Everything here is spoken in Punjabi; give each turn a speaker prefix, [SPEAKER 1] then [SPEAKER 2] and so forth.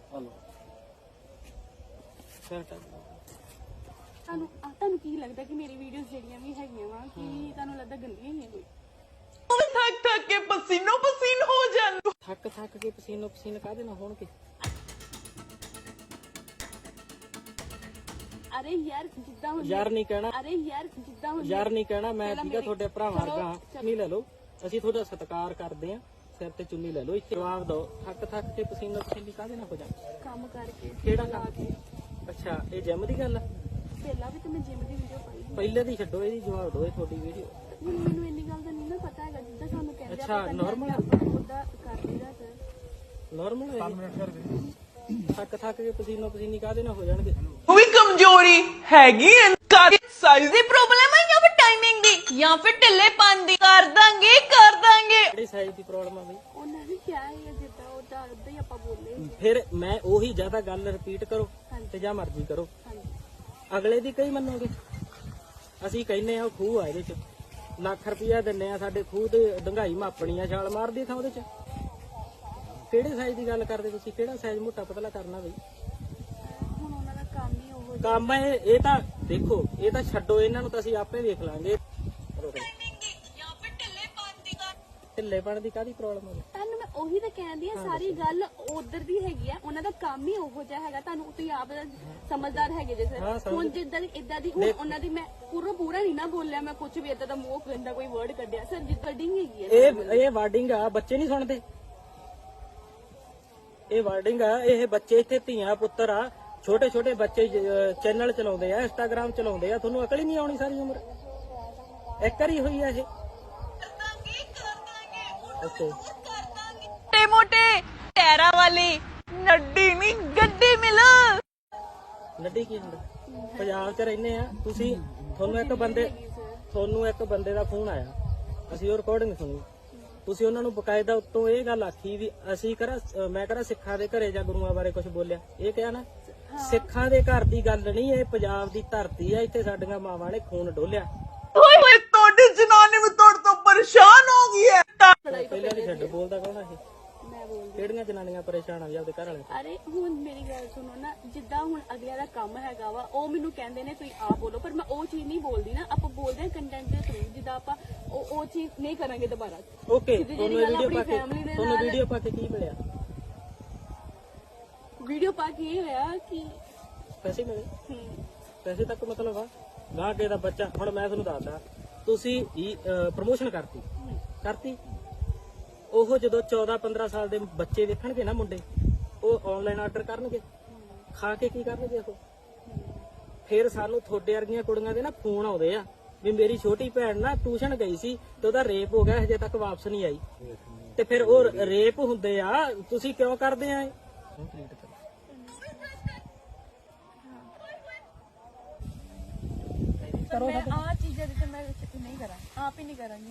[SPEAKER 1] ਹਲੋ ਫਿਰ
[SPEAKER 2] ਤੁਹਾਨੂੰ ਕੀ ਲੱਗਦਾ ਕਿ ਮੇਰੀ ਵੀਡੀਓਜ਼ ਜਿਹੜੀਆਂ ਵੀ ਹੈਗੀਆਂ ਵਾ ਕਿ ਤੁਹਾਨੂੰ ਲੱਗਦਾ ਗੰਦੀਆਂ ਹੀ ਆ ਕੋਈ?
[SPEAKER 3] थक थक के पसीनो पसीन हो जान
[SPEAKER 1] ਥੱਕ ਕੇ ਪਸੀਨੋ ਪਸੀਨ ਕਾਹਦੇ ਨਾਲ ਹੋਣਗੇ?
[SPEAKER 2] ਅਰੇ ਯਾਰ ਜਿੱਦਾਂ ਹੁਣ
[SPEAKER 1] ਯਾਰ ਨਹੀਂ ਕਹਿਣਾ,
[SPEAKER 2] ਅਰੇ ਯਾਰ ਜਿੱਦਾਂ ਹੁਣ
[SPEAKER 1] ਯਾਰ ਨਹੀਂ ਕਹਿਣਾ। ਮੈਂ ਠੀਕ ਆ ਤੁਹਾਡੇ ਭਰਾ ਵਰਗਾ ਹਾਂ। ਚੁੰਨੀ ਲੈ ਲਓ, ਅਸੀਂ ਤੁਹਾਡਾ ਸਤਿਕਾਰ ਕਰਦੇ ਆ। ਸਿਰ ਤੇ ਚੁੰਨੀ ਲੈ ਲਓ। ਇੱਥੇ ਜਵਾਬ ਦਿਓ, ਥੱਕ ਕੇ ਪਸੀਨੋ ਪਸੀਨੀ ਕਾਹਦੇ ਨਾਲ ਹੋ ਜਾਣ?
[SPEAKER 2] ਕੰਮ ਕਰਕੇ
[SPEAKER 1] ਕਿਹੜਾ ਕੰਮ? ਅੱਛਾ, ਇਹ ਜਿਮ ਦੀ ਗੱਲ ਆ?
[SPEAKER 2] ਪਹਿਲਾਂ ਵੀ ਤੇ ਮੈਂ ਜਿਮ ਦੀ ਵੀਡੀਓ ਪਾਈ ਸੀ।
[SPEAKER 1] ਪਹਿਲੇ ਦੀ ਛੱਡੋ, ਇਹਦੀ ਜਵਾਬ ਦਿਓ। ਇਹ ਤੁਹਾਡੀ ਵੀਡੀਓ
[SPEAKER 2] ਹੁਣ ਮੈਨੂੰ ਇੰਨੀ ਗੱਲ ਦਾ ਨਹੀਂ ਨਾ ਪਤਾ ਹੈਗਾ ਜਿੱਦਾਂ ਸਾਨੂੰ ਕਹਿੰਦੇ
[SPEAKER 1] ਅੱਛਾ, normal ਆ?
[SPEAKER 2] ਉਹਦਾ ਕਰ ਲਈਦਾ ਸਰ।
[SPEAKER 1] ਨਾਰਮਲ ਹੈ? 5 ਮਿੰਟ ਕਰ ਦੇ। ਥੱਕ ਕੇ ਪਸੀਨੋ ਪਸੀਨੀ ਕਾਹਦੇ ਨਾਲ ਹੋ ਜਾਣਗੇ?
[SPEAKER 3] वो भी कमजोरी हैगी साइज दी प्रॉब्लम है या फिर टाइमिंग दी या फिर ढिल्लेपन दी कर दांगे
[SPEAKER 1] ਕਿਹੜੀ ਸਾਈਜ਼ ਦੀ ਪ੍ਰੋਬਲਮ ਆ ਬਈ?
[SPEAKER 2] ਉਹਨਾਂ ਨੇ ਕਿਹਾ ਹੈ ਜਿੱਦਾਂ ਉਹਦਾ ਉਦਾਂ ਹੀ ਆਪਾਂ ਬੋਲੇ।
[SPEAKER 1] ਫਿਰ ਮੈਂ ਉਹੀ ਜ਼ਿਆਦਾ ਗੱਲ ਰਿਪੀਟ ਕਰੋ ਤੇ ਜਾਂ ਮਰਜ਼ੀ ਕਰੋ।
[SPEAKER 2] ਹਾਂਜੀ
[SPEAKER 1] ਅਗਲੇ ਦੀ ਕਈ ਮੰਨੋਗੇ? ਅਸੀਂ ਕਹਿੰਨੇ ਆ ਉਹ ਖੂਹ ਆ, ਇਹਦੇ ਚ ਲੱਖ ਰੁਪਇਆ ਦਿੰਨੇ ਆ, ਸਾਡੇ ਖੂਹ ਤੇ ਡੰਗਾਈ ਮਾਪਣੀ ਆ, ਛਾਲ ਮਾਰਦੀ ਥਾਂ ਉਹਦੇ ਚ। ਕਿਹੜੇ ਸਾਈਜ਼ ਦੀ ਗੱਲ ਕਰਦੇ ਤੁਸੀਂ? ਕਿਹੜਾ ਸਾਈਜ਼ ਮੋਟਾ ਪਤਲਾ ਕਰਨਾ ਬਈ?
[SPEAKER 2] ਹੁਣ ਉਹਨਾਂ ਦਾ ਕੰਮ ਹੀ ਉਹ
[SPEAKER 1] ਕੰਮ ਇਹ ਤਾਂ ਦੇਖੋ, ਇਹ ਤਾਂ ਛੱਡੋ, ਇਹਨਾਂ ਨੂੰ ਤਾਂ ਅਸੀਂ ਆਪੇ ਵੇਖ ਲਾਂਗੇ। ਢਿੱਲੇਪਣ ਦੀ ਕਾਹਦੀ ਪ੍ਰੋਬਲਮ ਹੈ?
[SPEAKER 2] ਤੁਹਾਨੂੰ ਮੈਂ ਉਹੀ ਤਾਂ ਕਹਿੰਦੀ ਆ, ਸਾਰੀ ਗੱਲ ਉਧਰ ਦੀ ਹੈਗੀ ਆ। ਉਹਨਾਂ ਦਾ ਕੰਮ ਹੀ ਉਹੋ ਜਿਹਾ ਹੈਗਾ। ਤੁਹਾਨੂੰ ਤੁਸੀਂ ਆਪ ਸਮਝਦਾਰ ਹੈਗੇ ਜੇ ਸਰ। ਹੁਣ ਜਿੱਦਾਂ ਦੀ ਇਦਾਂ ਦੀ ਹੁਣ ਉਹਨਾਂ ਦੀ ਮੈਂ ਪੂਰਾ ਨਹੀਂ ਨਾ ਬੋਲਿਆ, ਮੈਂ ਕੁਝ ਵੀ ਇਦਾਂ ਦਾ ਮੂੰਹ ਗੰਦਾ ਕੋਈ ਵਰਡ ਕੱਢਿਆ ਸਰ। ਜਿੱਦਾਂ ਡਿੰਗ ਹੈਗੀ ਆ
[SPEAKER 1] ਇਹ ਵਾਰਡਿੰਗ ਆ, ਬੱਚੇ ਨਹੀਂ ਸੁਣਦੇ। ਇਹ ਵਾਰਡਿੰਗ ਆ, ਇਹ ਬੱਚੇ ਇੱਥੇ ਧੀਆਂ ਪੁੱਤਰ ਆ, ਛੋਟੇ ਛੋਟੇ ਬੱਚੇ ਚੈਨਲ ਚਲਾਉਂਦੇ ਆ, ਇੰਸਟਾਗ੍ਰਾਮ ਚਲਾਉਂਦੇ ਆ। ਤੁਹਾਨੂੰ ਅਕਲ ਹੀ ਨਹੀਂ ਆਉਣੀ ਸਾਰੀ ਉਮਰ? ਇੱਕ ਵਾਰੀ ਹੋਈ ਆ ਇਹ? ਓਕੇ,
[SPEAKER 3] मोटे मोटे टैरा वाली नड्डी नहीं गड्डी मिल
[SPEAKER 1] ਨੱਡੀ ਕੀ ਹੁੰਦਾ? ਪੰਜਾਬ 'ਚ ਰਹਿੰਦੇ ਆ ਤੁਸੀਂ। ਤੁਹਾਨੂੰ ਇੱਕ ਬੰਦੇ ਦਾ ਫੋਨ ਆਇਆ, ਅਸੀਂ ਉਹ ਰਿਕਾਰਡਿੰਗ ਸੁਣੀ। ਤੁਸੀਂ ਉਹਨਾਂ ਨੂੰ ਬਕਾਇਦਾ ਉੱਤੋਂ ਇਹ ਗੱਲ ਆਖੀ ਵੀ ਅਸੀਂ ਮੈਂ ਸਿੱਖਾਂ ਦੇ ਘਰੇ ਜਾਂ ਗੁਰੂਆਂ ਬਾਰੇ ਕੁਝ ਬੋਲਿਆ। ਇਹ ਕਿਹਾ ਨਾ, ਸਿੱਖਾਂ ਦੇ ਘਰ ਦੀ ਗੱਲ ਨਹੀਂ, ਇਹ ਪੰਜਾਬ ਦੀ ਧਰਤੀ ਆ। ਇੱਥੇ ਸਾਡੀਆਂ ਮਾਵਾਂ ਨੇ ਖੂਨ ਡੋਲਿਆ।
[SPEAKER 3] तोड़ी जनानी में तोड़ तो परेशान हो गई है
[SPEAKER 1] ਪਹਿਲਾਂ ਦੀ ਛੱਡ, ਬੋਲਦਾ ਕੌਣ ਆ ਇਹ?
[SPEAKER 2] ਮੈਂ ਬੋਲਦੀ।
[SPEAKER 1] ਕਿਹੜੀਆਂ ਜਨਾਨੀਆਂ ਪਰੇਸ਼ਾਨ ਆ ਵੀ ਆਪਦੇ ਘਰ ਵਾਲੇ?
[SPEAKER 2] ਅਰੇ ਹੁਣ ਮੇਰੀ ਗੱਲ ਸੁਣੋ ਨਾ, ਜਿੱਦਾਂ ਹੁਣ ਅਗਲਿਆਂ ਦਾ ਕੰਮ ਹੈਗਾ ਵਾ, ਉਹ ਮੈਨੂੰ ਕਹਿੰਦੇ ਨੇ ਤੁਸੀਂ ਆਪ ਬੋਲੋ, ਪਰ ਮੈਂ ਉਹ ਚੀਜ਼ ਨਹੀਂ ਬੋਲਦੀ ਨਾ। ਆਪਾਂ ਬੋਲਦੇ ਹਾਂ ਕੰਟੈਂਟ ਦੇ ਥਰੂ, ਜਿੱਦਾਂ ਆਪਾਂ ਉਹ ਚੀਜ਼ ਨਹੀਂ ਕਰਾਂਗੇ ਦੁਬਾਰਾ।
[SPEAKER 1] ਓਕੇ, ਤੁਹਾਨੂੰ ਵੀਡੀਓ ਪਾ ਕੇ ਕੀ ਮਿਲਿਆ?
[SPEAKER 2] ਵੀਡੀਓ ਪਾ ਕੇ ਇਹ ਹੋਇਆ ਕਿ
[SPEAKER 1] ਪੈਸੇ ਮਿਲੇ? ਪੈਸੇ ਤੱਕ ਮਤਲਬ ਆ ਗਾਹ ਕੇ ਦਾ ਬੱਚਾ। ਹੁਣ ਮੈਂ ਤੁਹਾਨੂੰ ਦੱਸਦਾ, ਤੁਸੀਂ ਪ੍ਰਮੋਸ਼ਨ ਕਰਤੀ ਉਹ ਜਦੋਂ 14-15 ਸਾਲ ਦੇ ਬੱਚੇ ਵੇਖਣਗੇ ਨਾ ਮੁੰਡੇ, ਉਹ ਆਨਲਾਈਨ ਆਰਡਰ ਕਰਨਗੇ, ਖਾ ਕੇ ਕੀ ਕਰਨਗੇ ਉਹ? ਫਿਰ ਸਾਨੂੰ ਤੁਹਾਡੇ ਵਰਗੀਆਂ ਕੁੜੀਆਂ ਦੇ ਨਾ ਫੋਨ ਆਉਂਦੇ ਆ ਵੀ ਮੇਰੀ ਛੋਟੀ ਭੈਣ ਨਾ ਟਿਊਸ਼ਨ ਗਈ ਸੀ ਤੇ ਉਹਦਾ ਰੇਪ ਹੋ ਗਿਆ, ਹਜੇ ਤੱਕ ਵਾਪਸ ਨਹੀਂ ਆਈ। ਤੇ ਫਿਰ ਉਹ ਰੇਪ ਹੁੰਦੇ ਆ, ਤੁਸੀਂ ਕਿਉਂ ਕਰਦੇ ਆ?
[SPEAKER 2] ਮੈਂ ਆ ਚੀਜ਼ਾਂ ਦੇ ਤੇ ਮੈਂ ਨਹੀਂ ਕਰਾਂ, ਆਪ ਹੀ ਨਹੀਂ ਕਰਾਂਗੀ।